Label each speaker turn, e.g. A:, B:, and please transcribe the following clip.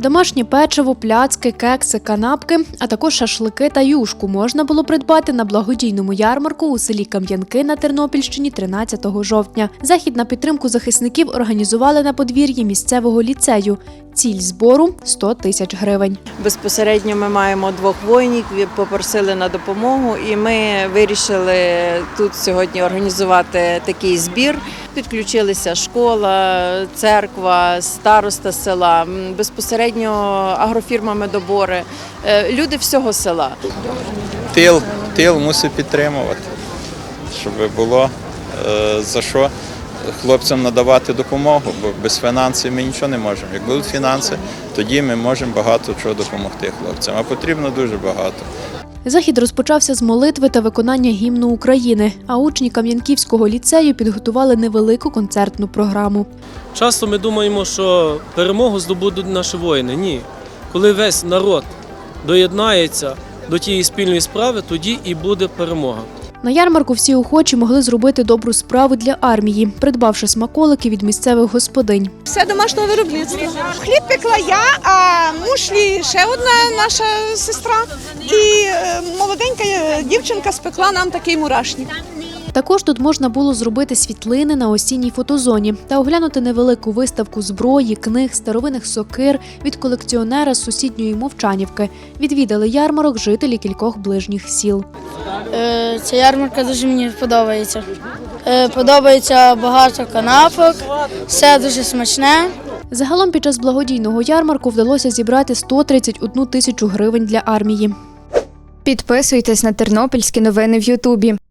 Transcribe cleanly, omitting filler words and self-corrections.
A: Домашнє печиво, пляцки, кекси, канапки, а також шашлики та юшку можна було придбати на благодійному ярмарку у селі Кам'янки на Тернопільщині 13 жовтня. Захід на підтримку захисників організували на подвір'ї місцевого ліцею. Ціль збору – 100 тисяч гривень.
B: Безпосередньо ми маємо 2 воїнів, попросили на допомогу, і ми вирішили тут сьогодні організувати такий збір. Підключилися школа, церква, староста села, безпосередньо агрофірма «Медобори», люди всього села.
C: Тил мусить підтримувати, щоб було за що хлопцям надавати допомогу, бо без фінансів ми нічого не можемо. Як будуть фінанси, тоді ми можемо багато чого допомогти хлопцям, а потрібно дуже багато.
A: Захід розпочався з молитви та виконання гімну України, а учні Кам'янківського ліцею підготували невелику концертну програму.
D: Часто ми думаємо, що перемогу здобудуть наші воїни. Ні. Коли весь народ доєднається до тієї спільної справи, тоді і буде перемога.
A: На ярмарку всі охочі могли зробити добру справу для армії, придбавши смаколики від місцевих господинь.
E: Все домашнього виробництва. Хліб пекла я, а мушлі ще одна наша сестра. І молоденька дівчинка спекла нам такий мурашник.
A: Також тут можна було зробити світлини на осінній фотозоні та оглянути невелику виставку зброї, книг, старовинних сокир від колекціонера з сусідньої Мовчанівки. Відвідали ярмарок жителі кількох ближніх сіл.
F: Ця ярмарка дуже мені подобається. Подобається багато канапок, все дуже смачне.
A: Загалом під час благодійного ярмарку вдалося зібрати 131 тисячу гривень для армії.
G: Підписуйтесь на тернопільські новини в Ютубі.